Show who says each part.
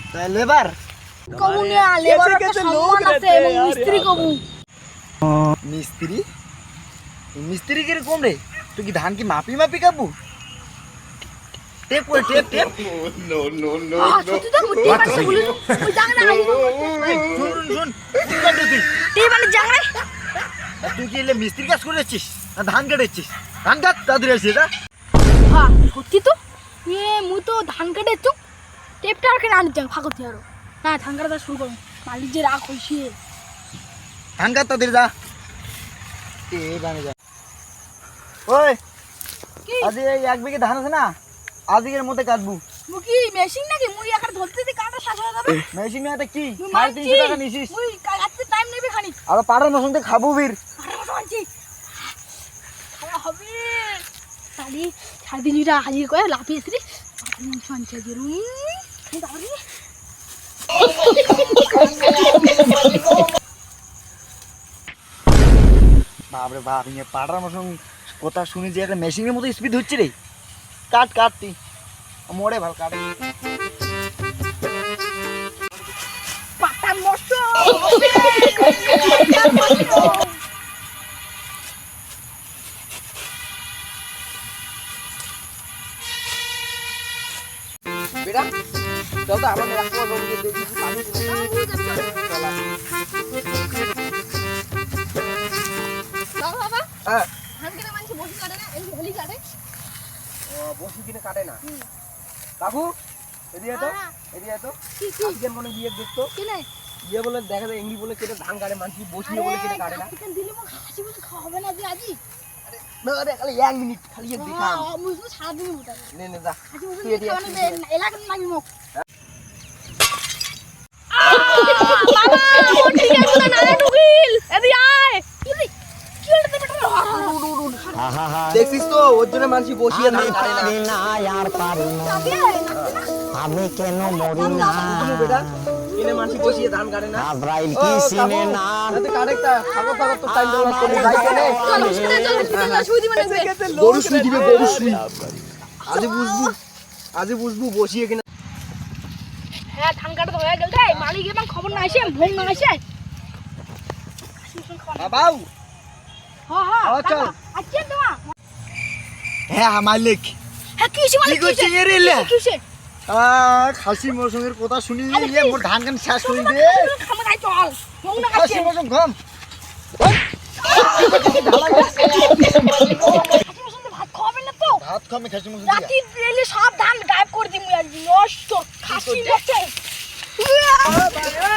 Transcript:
Speaker 1: Labour
Speaker 2: কবু না labour একটা সম্মান আছে এবং মিস্ত্রি কবু
Speaker 1: মিস্ত্রি মিস্ত্রি কিরকম রে? তুই কি ধান কি মাপি মাপি কাটবো? টেপ করে টেপ টেপ
Speaker 2: সত্যি তো মুটি মানে বলি ওই জায়গা না
Speaker 1: শুন শুন কি কাটবি তুই?
Speaker 2: টি মানে জায়গা
Speaker 1: তুই কি এলে মিস্ত্রি কাজ করে যাচ্ছিস না ধান কাটাচ্ছিস? ধান কাট তাড়াতাড়ি আসিস এটা।
Speaker 2: হ্যাঁ সত্যি তো মুই তো ধান কাটেছো টেপটা আর কেন আনি যাও ফাঁকতে আরো না ধান কাটা শুরু করো মালিক যে রাগ হইছে
Speaker 1: ধান কাট তাড়াতাড়ি যা। এ বানে যা। ওই
Speaker 2: কি
Speaker 1: আজ এই 1 বিঘে ধান আছে না, আজকের মধ্যে কাটবো।
Speaker 2: মুকি মেশিন নাকি মুই একার ধরতে দিতে কাটা শেষ হয়ে যাবে
Speaker 1: মেশিন না কি
Speaker 2: মুই
Speaker 1: 350 টাকা নিছিস?
Speaker 2: মুই কাটতে টাইম নেবে খানি
Speaker 1: আর পাড়ার মশন থেকে খাবো বীর।
Speaker 2: আরে মতো আনছি খাওয়া হবে তাহলে 3.5 টাকা হাজির করে লাফিয়েছি মাংস আনছে গেরুম দাঁড়ি
Speaker 1: বাপরে বাপ, ইয়ে পাড়ার মশন কথা শুনি যে একটা মেশিনের মতো স্পিড হচ্ছে রে। কাট কাট তুই মোড়ে ভাল কাট।
Speaker 2: পাতা মশো
Speaker 1: বেটা চল তো আমার রাখবো রোগে দেখি পানি
Speaker 2: বাবা
Speaker 1: হ্যাঁ
Speaker 2: ধান কেটে মানুষ বসে কাটে না এই হোলি কাটে
Speaker 1: ও বসি কিনে কাটে না কাকু এদিকে তো এদিকে তো
Speaker 2: কি কি
Speaker 1: আজকে মনে বিয়ে দেখতো
Speaker 2: কি নাই
Speaker 1: বিয়ে বলে দেখা যায় ইংলি বলে কেটে ধান কাটে মানুষ বসিয়ে বলে কেটে কাটে না।
Speaker 2: চিকেন দিলে মো হাসি মুখে খাওয়া হবে না যে আজি
Speaker 1: না রে খালি 1 মিনিট খালি এক দেখাম।
Speaker 2: মুজু সারা দিন মোটা
Speaker 1: নে নে যা
Speaker 2: হাসি মুখে
Speaker 1: তুই এদিকে
Speaker 2: খাওয়া
Speaker 1: আয়,
Speaker 2: না এলাকা লাগি মুখ বাবা কোন দিকে কোন নারে ঢুকিল এদি আয় কি রে কি হলো বেটা
Speaker 1: দেখছিস তো ওর জন্য মানুষ বসিয়ে ধান কাটে না।
Speaker 3: না আর পারি না
Speaker 2: চাবি
Speaker 3: আমি কেন মরি না
Speaker 1: তুমি বেটা কিনে মানুষ বসিয়ে ধান কাটে না।
Speaker 3: আব্রাইল কি চিনে না
Speaker 1: তুই কাটেকটা খাবো খাবো তো টাইম দেওয়া করে যাই কেনে
Speaker 2: চল হসপিটাল সুই দিবেন
Speaker 1: গরু শুই দিবে গরু শুই। আজ বুঝবো বসিয়ে কিনা।
Speaker 2: হ্যাঁ ধান কাটা তো হয়ে গেল রে মালিক এবং খবর না আসে ভোগ না আসে
Speaker 1: বাবাও
Speaker 2: হ্যাঁ হ্যাঁ
Speaker 1: চল।
Speaker 2: আচ্ছা তোমা
Speaker 1: হ্যাঁ মালিক
Speaker 2: হ্যাঁ কি হইছে
Speaker 1: কি
Speaker 2: মালিক
Speaker 1: করছিস রে লে?
Speaker 2: কি হইছে
Speaker 1: খাসি মৌসুমের কথা শুনি
Speaker 2: আরে
Speaker 1: ইয়ে
Speaker 2: কি?
Speaker 1: মোর ধান কান শেষ করে দে।
Speaker 2: খামা গাই চল ভোগ না
Speaker 1: খাসি
Speaker 2: আসে
Speaker 1: মৌসুম ঘম
Speaker 2: ভাত খাবেন না তো
Speaker 1: ভাত খামে খাসি মৌসুম
Speaker 2: রাতি দিলে সব ধান গায়েব করে দিমু একদিন নষ্ট খাসি নষ্ট